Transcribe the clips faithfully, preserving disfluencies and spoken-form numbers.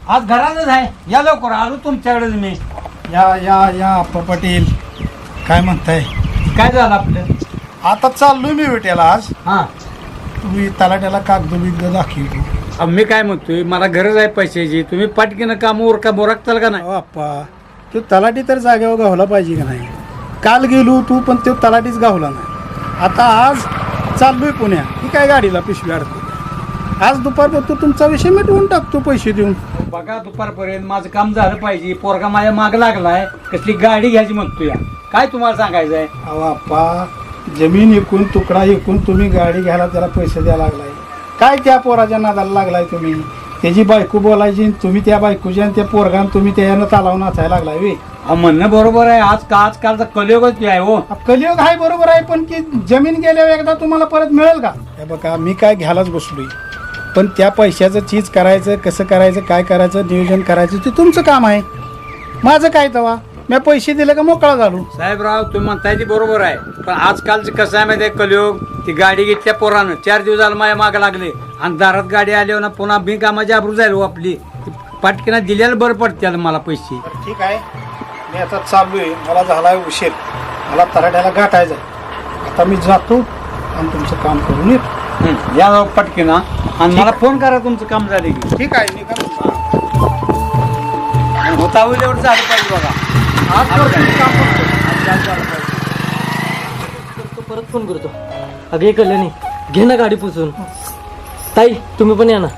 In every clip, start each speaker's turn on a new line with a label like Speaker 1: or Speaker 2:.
Speaker 1: आज घरातच आहे, या लवकर आलो तुमच्याकडेच मी.
Speaker 2: या या या आप्पा पाटील, काय म्हणताय?
Speaker 1: काय झालं आपलं?
Speaker 2: आता चाललोय मी भेटायला आज.
Speaker 1: हा
Speaker 2: तुम्ही तलाट्याला कागद बिगद दाखवतो.
Speaker 1: अहो, मी काय म्हणतोय, मला गरज आहे पैशाची. तुम्ही पटकीनं काम उरका बोराकताल का नाही?
Speaker 2: अहो आप्पा, तो तलाठी तर जागेवर गावला पाहिजे का नाही? काल गेलो तू पण तो तलाठीच गावला नाही. आता आज चाललोय पुण्या, ही काय गाडीला पिशवी अडकतो. आज दुपारपर्यंत तुमचा विषय मिटवून टाकतो पैसे देऊन.
Speaker 1: बघा दुपारपर्यंत माझं काम झालं पाहिजे. पोरगा माझ्या माग लागलाय, कसली गाडी घ्यायची म्हणतोय. काय तुम्हाला सांगायचं आहे?
Speaker 2: अहो आप्पा, जमीन विकून तुकडा विकून तुम्ही गाडी घ्यायला त्याला पैसे द्यायला लागलाय. काय त्या पोराच्या नादाला लागलाय तुम्ही? त्याची बायको बोलायची, तुम्ही त्या बायकोची आणि त्या पोरगान तुम्ही त्यानं चालावून नाचायला लागलाय वे.
Speaker 1: अहो, म्हणणं बरोबर आहे. आज का आजकालचा कलियुगच आहे हो.
Speaker 2: कलियुग आहे बरोबर आहे, पण की जमीन गेल्यावर एकदा तुम्हाला परत मिळेल का? हे बघा, मी काय घ्यायलाच बसलोय, पण त्या पैशाचं चीज करायचं, कसं करायचं, काय करायचं, नियोजन करायचं ते तुमचं काम आहे. माझं काय तवा? मी पैसे दिले का मोकळा झालो.
Speaker 1: साहेबराव, तुम्ही म्हणताय ती बरोबर आहे, पण आजकालचं कसं आहे माहिती आहे? कलियुग. ती गाडी घेतल्या पोरानं चार दिवस झालं माझ्या मागं लागले, आणि दारात गाडी आल्यावर ना पुन्हा बिनकामाची आबरू जाईल हो आपली. पाटकीना दिल्याला बरं पडते मला पैसे.
Speaker 2: ठीक आहे, मी आता चाललोय, मला झाला उशीर, मला तराट्याला गाठायचं. आता मी जातो आणि तुमचं काम करून येतो.
Speaker 1: हं, या जाऊ पटकीना, आणि मला फोन करा तुमचं काम झाले की.
Speaker 2: ठीक आहे, मी काय म्हणतो.
Speaker 1: आणि होता होईल एवढं झालं पाहिजे बघा.
Speaker 2: आज
Speaker 1: आज
Speaker 2: करतो, काम करतो.
Speaker 1: आज झालं पाहिजे.
Speaker 3: करतो, परत फोन करतो. अगे कल्याणी, घे ना गाडी पुसून. ताई, तुम्ही पण या ना.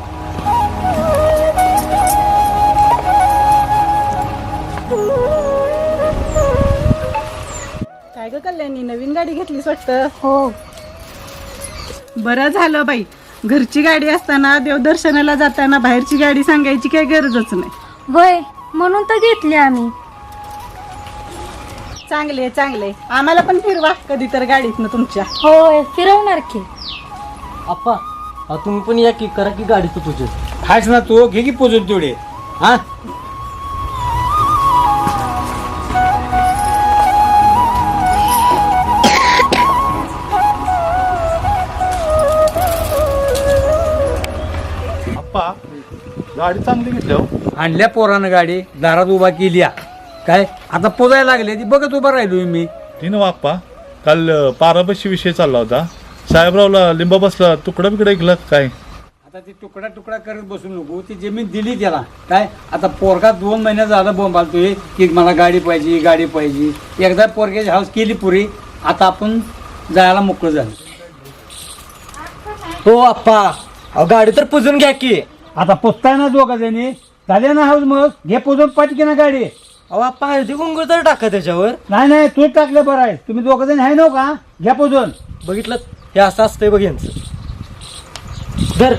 Speaker 4: काय ग कल्याणी, नवीन गाडी घेतलीस वाटतं?
Speaker 5: हो.
Speaker 4: बरं झालं बाई, घरची गाडी असताना देवदर्शनाला जाताना बाहेरची गाडी सांगायची काही गरजच नाही.
Speaker 5: वय म्हणून तर घेतली आम्ही.
Speaker 4: चांगले चांगले, आम्हाला पण फिरवा कधी तर गाडीत ना तुमच्या.
Speaker 5: होय, फिरवणार की.
Speaker 3: आप्पा, हा तुम्ही पण या की, करा की गाडीचं पूजन.
Speaker 1: हायच ना तू, घे की पोचून तेवढे. हा
Speaker 6: अप्पा, गाडी चांगली घेतली हो.
Speaker 1: आणल्या पोरानं गाडी, दारात उभा केली. काय आता पोजायला लागले, ती बघत उभा राहिलो मी.
Speaker 6: ती ना अप्पा, काल पाराबशी विषय चालला होता. साहेबरावला लिंबा बसला, तुकडा बिकडा ऐकला काय?
Speaker 1: आता ती तुकडा तुकडा करत बसू नको, ती जमीन दिली त्याला. काय आता पोरगा दोन महिन्यात झालं बोंबालतोय की मला गाडी पाहिजे, गाडी पाहिजे. एकदा पोरग्याची हाऊस केली पुरी, आता आपण जायला मोकळं झालं.
Speaker 3: हो आप्पा, अहो गाडी तर पुजून घ्या की.
Speaker 1: आता पोचताय ना दोघा जणी, झाले ना हाऊस, मग घे पोचून पाठकी ना गाडी.
Speaker 3: अहो आप्पा, हळदी कुंकू तर टाका त्याच्यावर.
Speaker 1: नाही नाही, तू टाकलं बरं आहे. तुम्ही दोघं जण आहे नव्ह का? घ्या पोचून.
Speaker 3: बघितलं, हे असं असतंय बघ यांचं. धर.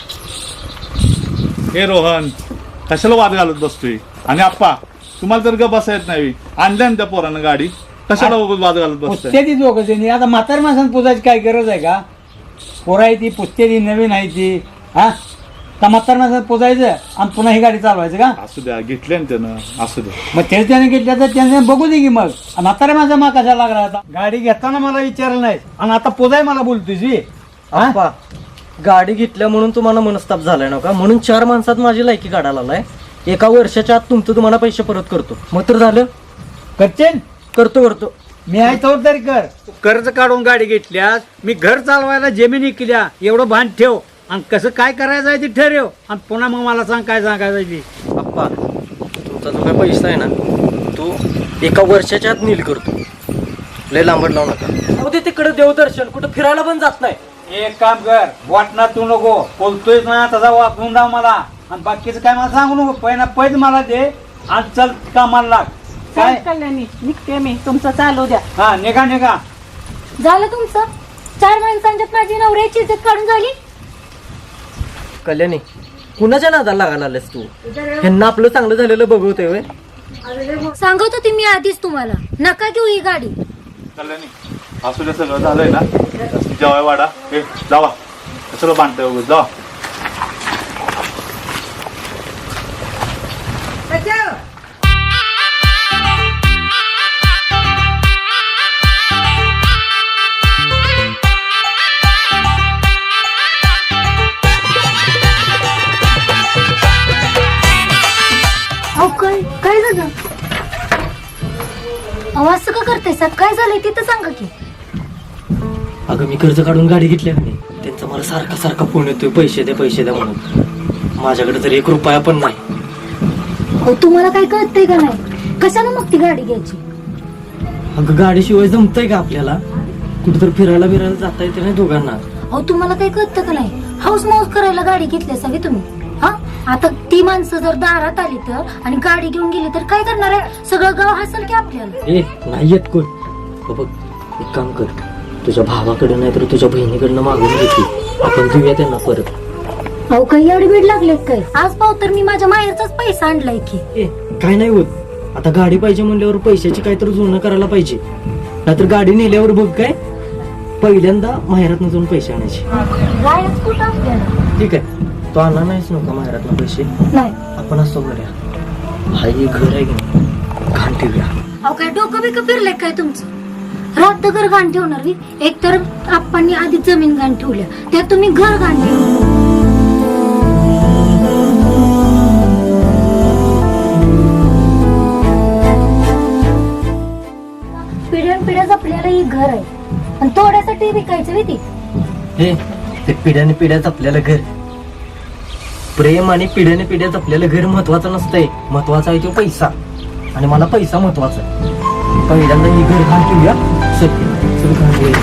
Speaker 6: हे रोहन, कशाला वाद घालत बसतोय? आणि अप्पा, तुम्हाला तर ग बसा येत नाही. आणल्या ना त्या पोरानं गाडी, कशाला उगाच वाद घालत बसतोय?
Speaker 1: पुसते ती दोघं जणी. आता म्हातार माणसानं पुजायची काय गरज आहे का? पोरं आहे ती, पुसते ती, नवीन आहे ती. हा का म्हातार माणसानं पुजायचं आणि पुन्हा ही गाडी चालवायचं का?
Speaker 6: असू द्या, घेतले ना त्यानं, असू द्या.
Speaker 1: मग तेच त्याने घेतल्या तर त्याने बघू दे की. मग म्हातारा माझा मा कशा लागला? आता गाडी घेताना मला विचारलं नाही आणि आता पोजाय मला बोलतोय.
Speaker 3: आप्पा, गाडी घेतल्या म्हणून तुम्हाला मनस्ताप झालाय ना का? म्हणून चार माणसात माझी लायकी काढायला आलाय. एका वर्षाच्या आत तुमचं तुम्हाला पैसे परत करतो. मग तर झालं.
Speaker 1: करचेन
Speaker 3: करतो करतो.
Speaker 1: मी आहे तर तरी कर. कर्ज काढून गाडी घेतल्यास, मी घर चालवायला जमिनी विकल्या, एवढं भान ठेव. आणि कसं काय करायचं आहे ते ठरव, आणि पुन्हा मग मला सांग काय सांगायचं ती.
Speaker 3: आप्पा, तुमचा जो काय पैसा आहे ना, तो एका वर्षाच्या आत नील करतो. लय लांबट लावू नका. अहो ते तिकडे देवदर्शन, कुठं फिरायला पण जात नाही.
Speaker 1: एक काम कर, वाटणार तू नको. बोलतोयच ना तसा वापरून जाऊ मला, आणि बाकीचं काय मला सांगू नको. पहिला पैज मला दे आणि चल कामाला लाग. काय
Speaker 4: काय कल्याणी, निघते मी, तुमचं चालू द्या.
Speaker 1: हा, निघा निघा.
Speaker 5: झालं तुमचं? चार माणसांच्यात माझी नवऱ्याची इज्जत काढून झाली.
Speaker 3: कल्याणी, कुणाच्या नादाला लागायला आलेस तू? ह्यांना आपलं चांगलं झालेलं बघवतोय व्हय?
Speaker 5: सांगत होते मी आधीच तुम्हाला, नका घेऊ ही गाडी.
Speaker 6: कल्याणी, असू द्या, सगळं झालंय ना. जेवाय वाडा, हे जावा, कशाला बांधताय वगैरे, जावा.
Speaker 5: घरात काय झालंय ते तर सांगा की.
Speaker 3: अगं मी कर्ज काढून गाडी घेतली का नाही, त्यांचा मला सारखा सारखा फोन येतोय पैसे द्या पैसे द्या म्हणून. माझ्याकडे तर एक रुपया पण नाही.
Speaker 5: अहो तुम्हाला काय कळतंय का नाही, कशाला मग ती गाडी घ्यायची.
Speaker 3: अगं गाडीशिवाय जमतंय का आपल्याला, कुठेतरी फिरायला बिरायला जाता येते नाही दोघांना.
Speaker 5: अहो तुम्हाला काय कळतं का नाही, हाऊस माऊस करायला गाडी घेतली असावी तुम्ही. हा आता ती माणसं जर दारात आली तर आणि गाडी घेऊन गेली तर काय करणार आहे, सगळं गाव हसल की आपल्याला.
Speaker 3: ए नाही येत कोण. हो बघ एक काम कर, तुझ्या भावाकडे नाही तर तुझ्या बहिणीकडनं मागून घेते, आपण घेऊया त्यांना परत.
Speaker 5: अहो काही एवढी बीड लागलेत काय, आज पाव तर मी माझ्या माहेरचाच पैसा आणलाय की.
Speaker 3: ए काय नाही होत, आता गाडी पाहिजे म्हणल्यावर पैशाची काहीतरी जुळणं करायला पाहिजे. नाहीतर गाडी नेल्यावर बघ काय पहिल्यांदा माहेरातनं जाऊन पैसे आणायचे.
Speaker 5: गायच कुठं आपल्याला.
Speaker 3: ठीक आहे, तो आणला नाहीच नका माहेरातनं पैसे,
Speaker 5: नाही
Speaker 3: आपण असतो बऱ्या. हा एक घर आहे की नाही, घाण ठेवूया.
Speaker 5: अहो काय डोकं बिकं फिरलंय काय तुमचं, रात घर घाण ठेवणार मी. एक तर आपण आधी जमीन घाण ठेवल्या, त्यात तुम्ही घर घाण ठेवलं. पिढ्यान पिढ्या आपल्याला ही घर आहे आणि तोड्यासाठी विकायचं भीती.
Speaker 3: हे ते पिढ्याने पिढ्याच आपल्याला घर, प्रेम आणि पिढ्याने पिढ्याच आपल्याला घर महत्वाचं नसतंय, महत्वाचा आहे तो पैसा. आणि मला पैसा महत्वाचा आहे. पहिल्यांदा ही घर घाण ठेवूया. चल चल घाण ठेवूया.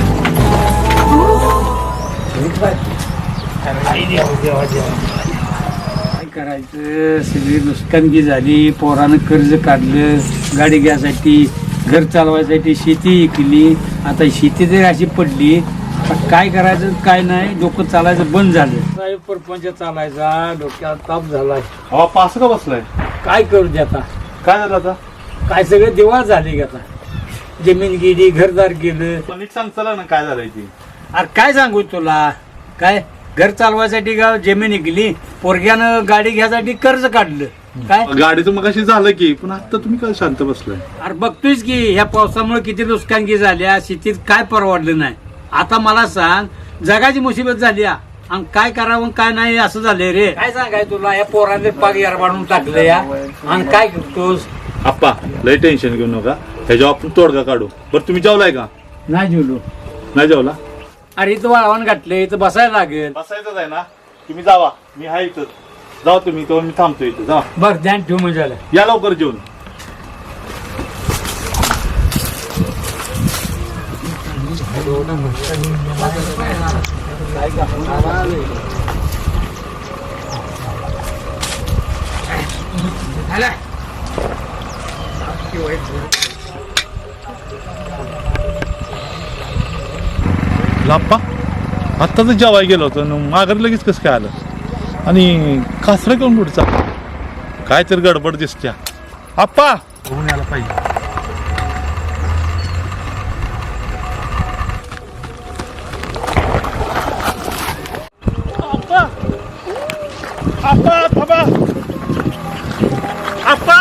Speaker 1: काय करायचं, सगळी नुकसानगी झाली. पोरानं कर्ज काढलं गाडी घ्यायसाठी, घर चालवायसाठी, शेती केली. आता शेती तरी अशी पडली, आता काय करायचं काय नाही, डोकं चालायचं बंद झालं. साहेब परपंच चालायचा, डोक्याला ताप झालाय.
Speaker 6: अहो आप्पा असं का बसलाय,
Speaker 1: काय करू दे आता,
Speaker 6: काय झालं आता.
Speaker 1: काय सगळे दिवाळ झाले की आता. जमीन गेली, घरदार गेलं.
Speaker 6: पण नीट सांग चला ना काय झालंय ती.
Speaker 1: अरे काय सांगू तुला, काय घर चालवायसाठी गाव जमीन गेली, पोरग्यानं गाडी घ्यायसाठी कर्ज काढलं. काय
Speaker 6: गाडीचं मग अशी झालं की, पण आता तुम्ही काय शांत बसलाय.
Speaker 1: अरे बघतोयच की ह्या पावसामुळे किती नुकसानगी झाल्या, शेतीत काय परवडलं नाही. आता मला सांग, जगाची मुसीबत झाली हा. आणि काय करावं काय नाही असं झालंय रे. काय सांगाय तुला, या पोराने पाग यारबाडून टाकलं या, आणि काय करतोस.
Speaker 6: आप्पा लय टेन्शन घेऊ नका, ह्याच्यावर आपण तोडगा काढू. बरं तुम्ही जेवलाय का.
Speaker 1: नाही जेवलो.
Speaker 6: नाही जेवला.
Speaker 1: अरे इथं वाळवण घातले, इथं बसायला लागेल.
Speaker 6: बसायचंच आहे ना, तुम्ही जावा, मी आहे इथं. जावा तुम्ही, तो मी थांबतो इथं. जा
Speaker 1: बर ध्यान ठेव म्हणजे आलं.
Speaker 6: या लवकर जेवून. लाप्पा आत्ताच जेवाय गेलो होतो, माघारी लगेच कसं काय आलं, आणि कासरा घेऊन पुढचा काय तर गडबड दिसत्या. आप्पा होऊन यायला पाहिजे. आप्पा आप्पा थांबा. आप्पा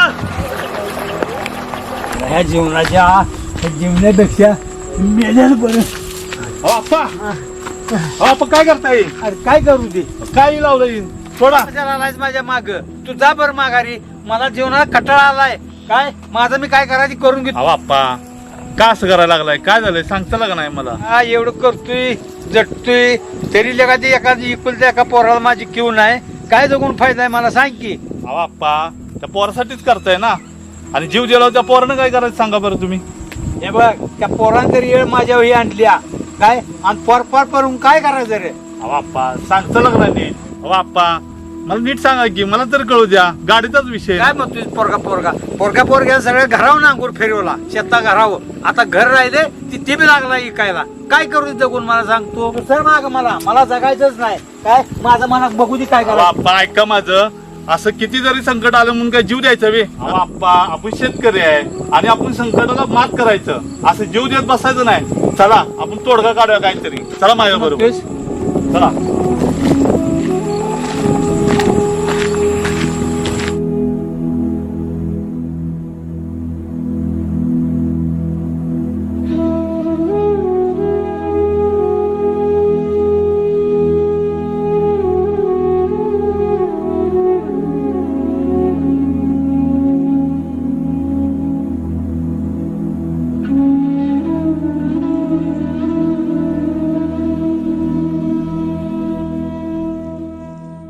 Speaker 1: ह्या जीवनाच्या जीवनापेक्षा मेल्यानं बरं.
Speaker 6: अहो, आप्पा अहो, आप्पा काय करताय.
Speaker 1: अरे काय करू दे,
Speaker 6: काय लावलंय थोडा.
Speaker 1: आलायच माझ्या माग, तू जा बर माघारी. मला जीवनाला कटाळा आलाय. काय माझं मी काय करायची करून घेतो.
Speaker 6: अहो आप्पा का असं करायला लागलाय, काय झालंय सांगता का नाही मला.
Speaker 1: हा एवढं करतोय जटतोय तरी एखादी एखादी इकुलत्या एका पोराला माझी किव नाही. काय जगून फायदा आहे मला सांग की.
Speaker 6: अहो आप्पा त्या पोरासाठीच करताय ना, आणि जीव दिला त्या पोरानं काय करायचं सांगा बरं तुम्ही.
Speaker 1: हे बघ त्या पोरानं तरी येळ माझ्या वही आणल्या काय, आणि पोर पार परून काय करायचं रे.
Speaker 6: अहो आप्पा सांगता लागला नीट. अहो आप्पा मला नीट सांगा की, मला तर कळू द्या, गाडीचाच विषय.
Speaker 1: काय म्हणतोय पोरगा पोरगा पोरगा पोरग्या सगळ्या घरावर नांगूर फिरवला, शेता घरावर. आता घर राहिले तिथे बी लागला इकायला. काय करू दे जगून मला सांगतो. सर माग मला मला जगायचंच नाही. काय माझं मनात बघू दे काय
Speaker 6: अहो
Speaker 1: करा.
Speaker 6: आप्पा ऐका माझं, असं किती जरी संकट आलं म्हणून काय जीव द्यायचा वे. अहो आप्पा आपण शेतकरी आहे आणि आपण संकटाला मात करायचं, असं जीव देत बसायचं नाही. चला आपण तोडगा काढूया काहीतरी. चला माझ्या बरोबर चला.